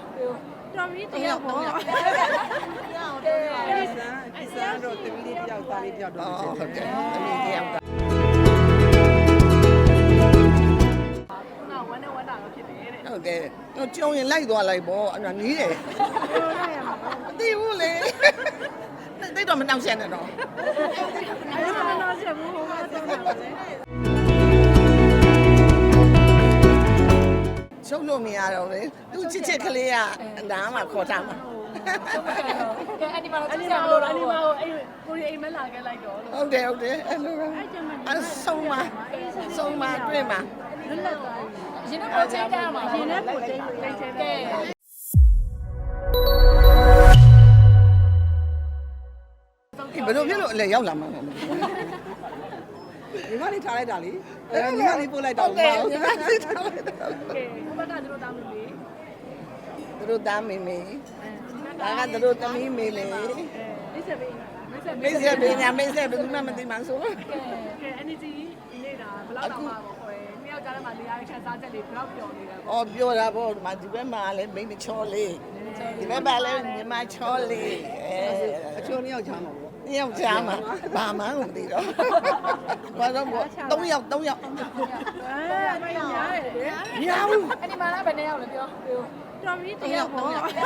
တော်ပြီတရားပေါ့ဒီစားတော့တမီးလေးတယောက်သားလေးတယောက်တော့ဟုတ်တယ်အမေတယောက်သားဟုတ်တယ်တော့ကြုံရင်လိုက်သွားလိုက်ပေါ့အဲ့ဒါနီးတယ်မသိဘူးလေတိတ်တော့မနှောက်ရှက်နဲ့တော့အဲ့ဒါတော့ချက်ဘူးဟိုကတော့လေချုပ်လို့မရတော့လေသူချစ်ချစ်ကလေးကနားမှာခေါ်ထားမှာကဲအဲ့ဒီမှာတော့ဆက်လို့အဲ့ဒီမှာအဲ့ကိုရီအိမ်မလာခဲ့လိုက်တော့ဟုတ်တယ်ဟုတ်တယ်အဲ့လိုအဲ့ဆုံးမတွေ့မှာလွတ်လပ်သွားပြီရင်တော့ချိန်ကြရမှာရင်နဲ့ပို့ချိန်ကဲဘယ်လိုဖြစ်လို့အလဲရောက်လာမှာလဲညီမလေးထားလိုက်တာလေညီမလေးပို့လိုက်တာဟုတ်တယ်ညီမလေးထားလိုက်တာကဲဘက်ကသူတို့တောင်းလို့လေသူတို့သားမေမေဒါကသူတို့သမီးမေမေမိတ်ဆက်ပေးမိတ်ဆက်ပေးညာမိတ်ဆက်ဘယ်သူမှမသိမှဆိုကဲ energy နေတာဘယ်လောက်တောင်မှပေါ့ခွဲနှစ်ယောက်ကြားထဲမှာနေရာခန်းစားချက်လေးဘယ်လောက်ပျော်နေလဲပေါ့အော်ပြောတာပေါ့ဒီမှာဒီဘက်မှာလည်းမိမချောလေးဒီဘက်မှာလည်းညီမချောလေးအချိုးနှစ်ယောက်ချားမှာပေါ့နှစ်ယောက်ချားမှာဘာမှမသိတော့ဘာတော့3ယောက်မရရတယ်မရဘူးအဲ့ဒီမှာလည်းဘယ်နှစ်ယောက်လဲပြောတော်ပြီတရားပေါ့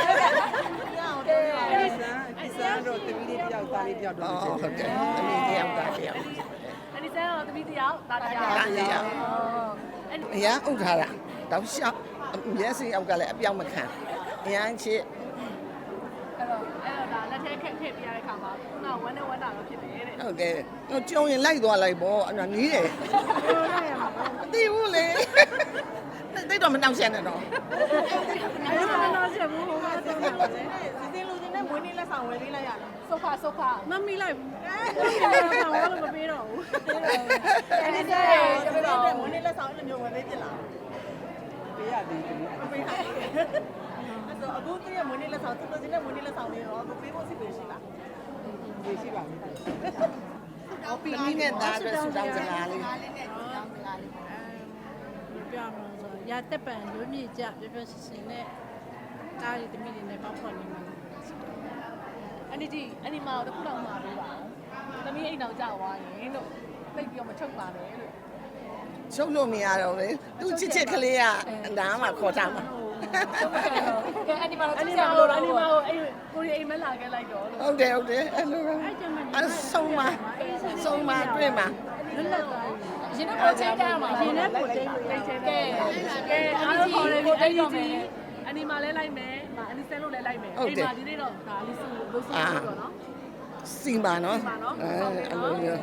ဒီစားတော့တမီးလေးတယောက်သားလေးတယောက်တော့ဟုတ်တယ်အမေတယောက်သားတယောက်အဲ့ဒီစားတော့တမီးတယောက်သားတယောက်အရန်ဥထားတာတောက်လျှောက်မျက်စိအောက်ကလည်းအပြောင်းမခံအရန်ချစ်အဲ့တော့ဒါလက်ထဲခက်ပြရတဲ့ခါမှာခုနဝမ်းနဲ့ဝမ်းတာတော့ဖြစ်တယ်တဲ့ဟုတ်တယ်တော့ကြုံရင်လိုက်သွားလိုက်ပေါ့အဲ့ဒါနီးတယ်မသိဘူးလေတိတ်တော့မနှောက်ရှက်နဲ့တော့အဲ့ဒါတော့ချက်ဘူးဟိုကတော့လေဒီလူချင်းနဲ့မွေးနေ့လက်ဆောင်ဝယ်ပေးလိုက်ရတယ်ဆိုဖာမမီလိုက်ဘူးဆောင်းလို့မပေးတော့ဘူးအဲ့ဒီတဲ့မွေးနေ့လက်ဆောင်အဲ့လိုမျိုးဝယ်ပေးပြလားပေးရသေးတယ်မပေးနိုင်အဲ့တော့အခုတည်းကမွေးနေ့လက်ဆောင်သူတို့ချင်းနဲ့မွေးနေ့လက်ဆောင်လေးတော့ပေးဖို့စီပေးရှိလားရှိပါမယ်အော်ပီနီနဲ့သားအတွက်ဆူတောင်းစကားလေးပြောင်းလို့ဆိုရတက်ပံလွမြေကြပြပြစင်နဲ့တားရီတမိတွေနဲ့ပေါက်ဖွက်နေမှာအဲ့ဒီမှာတော့ခုလောက်မှာပေးပါသမီးအိမ်တော်ကြောက်သွားရင်လို့သိပြီးတော့မချုပ်ပါနဲ့လို့ချုပ်လို့မရတော့လေသူချစ်ချစ်ကလေးကနားမှာခေါ်ထားမှာကဲအဲ့ဒီမှာတော့အဲ့ဒီမှာအဲ့ကိုရီအိမ်မလာခဲ့လိုက်တော့ဟုတ်တယ်အဲ့လိုအဲ့ဆုံးမတွေ့မှာလွတ်လပ်သွားပြီရင်တော့ချိန်ကြရမှာရင်နဲ့ပို့ချိန်ကဲအားလုံးခေါ်တယ်အဲ့ဒီအနီမာလဲလိုက်မယ်အနီဆဲလို့လဲလိုက်မယ်အိမ်မှာဒီနေ့တော့ဒါလေးစုလို့ဆိုတော့နော်စီမာနော်အဲ့လိုမျိုး